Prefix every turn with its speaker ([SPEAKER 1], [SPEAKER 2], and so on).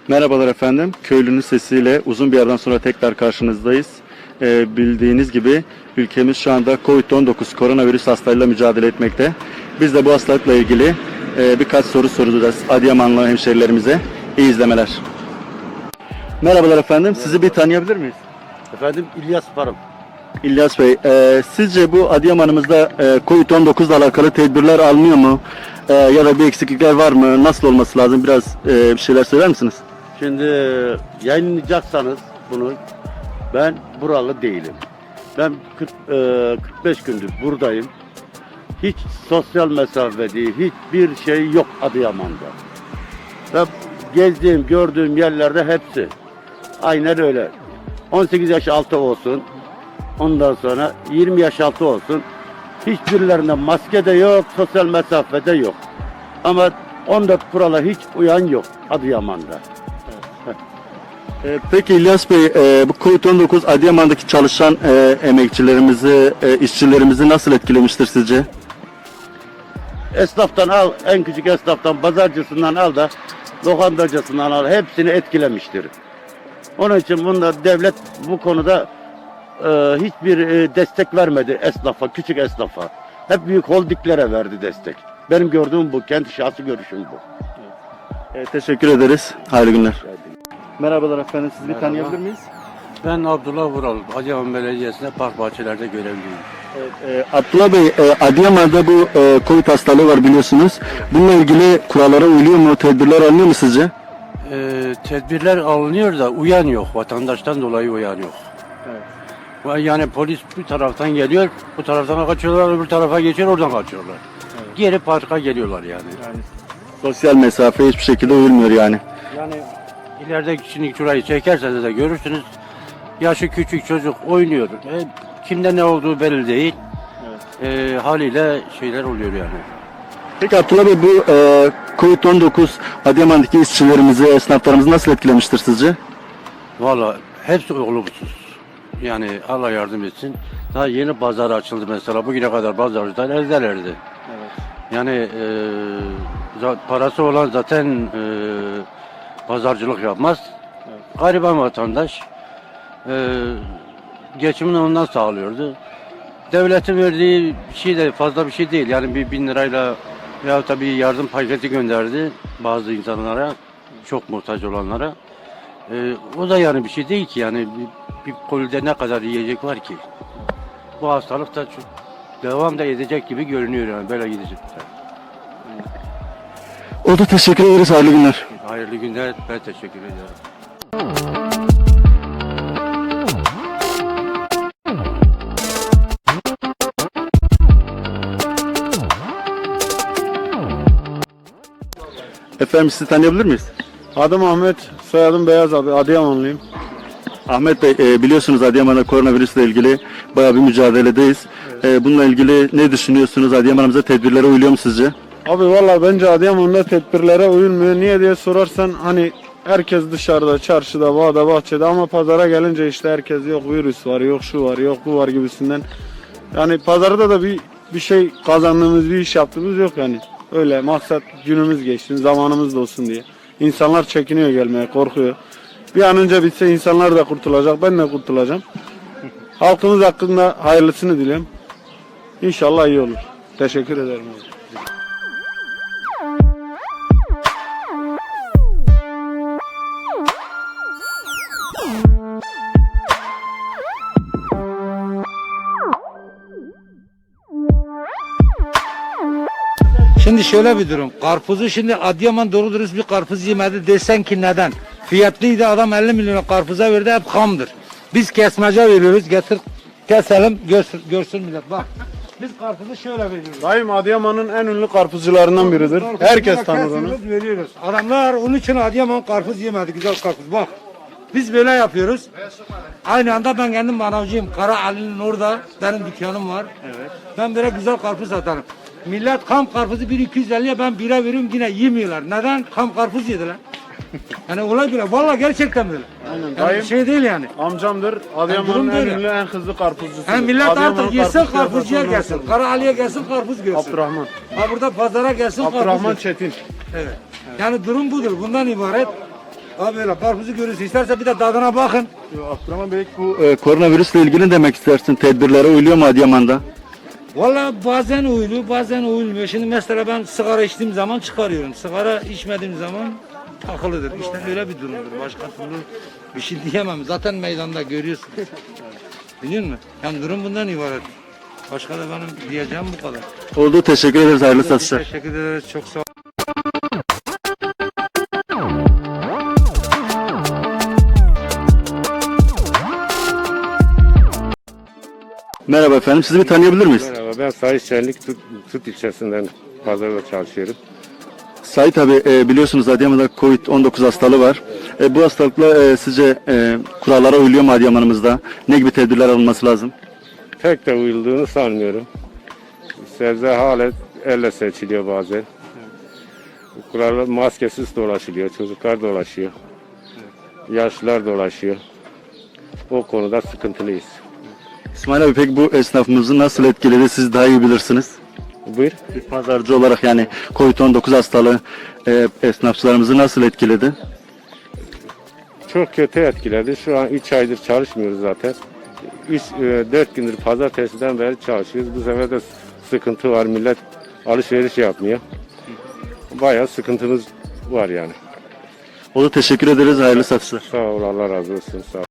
[SPEAKER 1] Merhabalar efendim. Köylünün sesiyle uzun bir aradan sonra tekrar karşınızdayız. Bildiğiniz gibi ülkemiz şu anda COVID-19 koronavirüs hastalığıyla mücadele etmekte. Biz de bu hastalıkla ilgili birkaç soru soracağız Adıyamanlı hemşerilerimize. İyi izlemeler. Merhabalar efendim. Sizi bir tanıyabilir miyiz?
[SPEAKER 2] Efendim İlyas Parım.
[SPEAKER 1] İlyas Bey, sizce bu Adıyaman'ımızda COVID-19 ile alakalı tedbirler alınıyor mu? Ya da bir eksiklikler var mı? Nasıl olması lazım? Biraz bir şeyler söyler misiniz?
[SPEAKER 2] Şimdi yayınlayacaksanız bunu, ben buralı değilim. Ben 45 gündür buradayım. Hiç sosyal mesafe değil, hiçbir şey yok Adıyaman'da. Ve gezdiğim, gördüğüm yerlerde hepsi aynen öyle. 18 yaş altı olsun, ondan sonra 20 yaş altı olsun. Hiçbirlerinde maske de yok, sosyal mesafe de yok. Ama 14 kurala hiç uyan yok Adıyaman'da.
[SPEAKER 1] Peki İlyas Bey, bu COVID-19 Adıyaman'daki çalışan emekçilerimizi, işçilerimizi nasıl etkilemiştir sizce?
[SPEAKER 2] Esnaftan al, en küçük esnaftan, pazarcısından al da lokantacısından al, hepsini etkilemiştir. Onun için bunda devlet bu konuda hiçbir destek vermedi esnafa, küçük esnafa. Hep büyük holdinglere verdi destek. Benim gördüğüm bu, kendi şahsi görüşüm bu.
[SPEAKER 1] Teşekkür ederiz. Hayırlı günler. Merhabalar efendim, sizi bir
[SPEAKER 3] Merhaba.
[SPEAKER 1] tanıyabilir miyiz?
[SPEAKER 3] Ben Abdullah Vural, Adıyaman Belediyesi'nde park bahçelerde görevliyim.
[SPEAKER 1] Abdullah Bey, Adıyaman'da bu COVID hastalığı var biliyorsunuz. Bununla ilgili kurallara uyuluyor mu, tedbirler alınıyor mu sizce?
[SPEAKER 3] Tedbirler alınıyor da uyan yok, vatandaştan dolayı uyan yok. Yani polis bir taraftan geliyor, bu taraftan kaçıyorlar, öbür tarafa geçiyor, oradan kaçıyorlar. Geri parka geliyorlar yani.
[SPEAKER 1] Sosyal mesafe hiçbir şekilde uyulmuyor yani.
[SPEAKER 3] Yani ileride şimdi şurayı çekerseniz de görürsünüz, yaşı küçük çocuk oynuyor. Kimde ne olduğu belli değil. Haliyle şeyler oluyor yani.
[SPEAKER 1] Peki Abdullah Bey, bu COVID-19 Adıyaman'daki işçilerimizi, esnaflarımızı nasıl etkilemiştir sizce?
[SPEAKER 3] Valla hepsi olumsuz. Yani Allah yardım etsin. Daha yeni pazar açıldı mesela. Bugüne kadar pazarcılar evdelerdi. Yani parası olan zaten pazarcılık yapmaz. Gariban vatandaş geçimini ondan sağlıyordu. Devletin verdiği şey de fazla bir şey değil. Yani bir 1000 lirayla veya tabii yardım paketi gönderdi bazı insanlara, çok muhtaç olanlara. O da yani bir şey değil ki, yani bir kolide ne kadar yiyecek var ki? Bu hastalık da çok devam da edecek gibi görünüyor, yani böyle gidecek.
[SPEAKER 1] Oldu, teşekkür ederiz. Hayırlı günler.
[SPEAKER 3] Hayırlı günler, ben teşekkür ederim.
[SPEAKER 1] Efendim, sizi tanıyabilir miyiz?
[SPEAKER 4] Adım Ahmet, soyadım Beyaz abi, Adıyamanlıyım.
[SPEAKER 1] Ahmet Bey, biliyorsunuz Adıyaman'da koronavirüsle ilgili bayağı bir mücadeledeyiz. Bununla ilgili ne düşünüyorsunuz? Adıyaman'ımıza tedbirlere uyuluyor mu sizce?
[SPEAKER 4] Abi valla bence Adıyaman'da tedbirlere uyulmuyor. Niye diye sorarsan hani herkes dışarıda, çarşıda, bağda, bahçede ama pazara gelince işte herkes yok virüs var, yok şu var, yok bu var gibisinden. Yani pazarda da bir şey kazandığımız, bir iş yaptığımız yok yani. Öyle maksat günümüz geçsin, zamanımız da olsun diye. İnsanlar çekiniyor gelmeye, korkuyor. Bir an önce bitse insanlar da kurtulacak, ben de kurtulacağım. Halkımız hakkında hayırlısını diliyorum. İnşallah iyi olur. Teşekkür ederim.
[SPEAKER 5] Şimdi şöyle bir durum. Karpuzu şimdi Adıyaman doğru dürüst bir karpuz yemedi desen ki neden? Fiyatlıydı, adam 50 milyon karpuza verdi, hep hamdır. Biz kesmece veriyoruz, getir keselim görsün millet bak. Biz karpuzu şöyle veriyoruz.
[SPEAKER 4] Dayım Adıyaman'ın en ünlü karpuzcularından biridir. Herkes tanır onu.
[SPEAKER 5] Kesiyoruz, veriyoruz. Adamlar onun için Adıyaman karpuz yemedi, güzel karpuz bak. Biz böyle yapıyoruz. Aynı anda ben kendim manavcıyım. Kara Ali'nin orada benim dükkanım var. Evet. Ben böyle güzel karpuz satarım. Millet kam karpuzu 1.250'ye ben 1'e veriyorum, yine yemiyorlar. Neden? Kam karpuz yediler. Yani olay bile. Vallahi gerçekten böyle.
[SPEAKER 4] Aynen.
[SPEAKER 5] Yani
[SPEAKER 4] Dayım
[SPEAKER 5] bir şey değil yani.
[SPEAKER 4] amcamdır. Adıyaman'ın
[SPEAKER 5] durum
[SPEAKER 4] en
[SPEAKER 5] böyle.
[SPEAKER 4] ünlü, en hızlı karpuzcusu.
[SPEAKER 5] Yani millet artık yesin karpuzcuya gelsin. Kara Ali'ye gelsin karpuz görsün.
[SPEAKER 4] Abdurrahman.
[SPEAKER 5] Ha burada pazara gelsin karpuz
[SPEAKER 4] Abdurrahman
[SPEAKER 5] görsün.
[SPEAKER 4] Çetin.
[SPEAKER 5] Evet. Yani durum budur. Bundan ibaret. Abi böyle karpuzu görürsün. İsterse bir de tadına bakın.
[SPEAKER 1] Abdurrahman Bey, bu koronavirüsle ilgili ne demek istersin? Tedbirlere uyuluyor mu Adıyaman'da?
[SPEAKER 5] Valla bazen uyuluyor, bazen uyulmuyor. Şimdi mesela ben sigara içtiğim zaman çıkarıyorum. Sigara içmediğim zaman takılıdır. İşte öyle bir durumdur. Başka türlü bir şey diyemem. Zaten meydanda görüyorsunuz. Biliyor musun? Yani durum bundan ibaret. Başka da benim diyeceğim bu kadar.
[SPEAKER 1] Oldu, teşekkür ederiz. Hayırlı satışlar.
[SPEAKER 5] Teşekkür ederiz. Çok sağ ol.
[SPEAKER 1] Merhaba efendim, sizi bir tanıyabilir miyiz?
[SPEAKER 6] Merhaba, ben Sait Şenlik Tut ilçesinden pazarda çalışıyorum.
[SPEAKER 1] Sait abi, biliyorsunuz Adıyaman'da Covid-19 hastalığı var. Bu hastalıkla sizce kurallara uyuluyor mu Adıyaman'ımızda? Ne gibi tedbirler alınması lazım?
[SPEAKER 6] Pek de uyulduğunu sanmıyorum. Sebze halen elle seçiliyor bazen. Kurallar maskesiz dolaşılıyor, çocuklar dolaşıyor. Yaşlılar dolaşıyor. O konuda sıkıntılıyız.
[SPEAKER 1] İsmail abi, peki bu esnafımızı nasıl etkiledi, siz daha iyi bilirsiniz.
[SPEAKER 6] Buyur.
[SPEAKER 1] Bir pazarcı olarak yani Covid-19 hastalığı esnafçılarımızı nasıl etkiledi?
[SPEAKER 6] Çok kötü etkiledi. Şu an 3 aydır çalışmıyoruz zaten. 4 gündür pazartesiden beri çalışıyoruz. Bu sefer de sıkıntı var. Millet alışveriş yapmıyor. Bayağı sıkıntımız var yani.
[SPEAKER 1] Oldu, teşekkür ederiz. Hayırlı satışlar.
[SPEAKER 6] Sağ ol, Allah razı olsun. Sağ ol.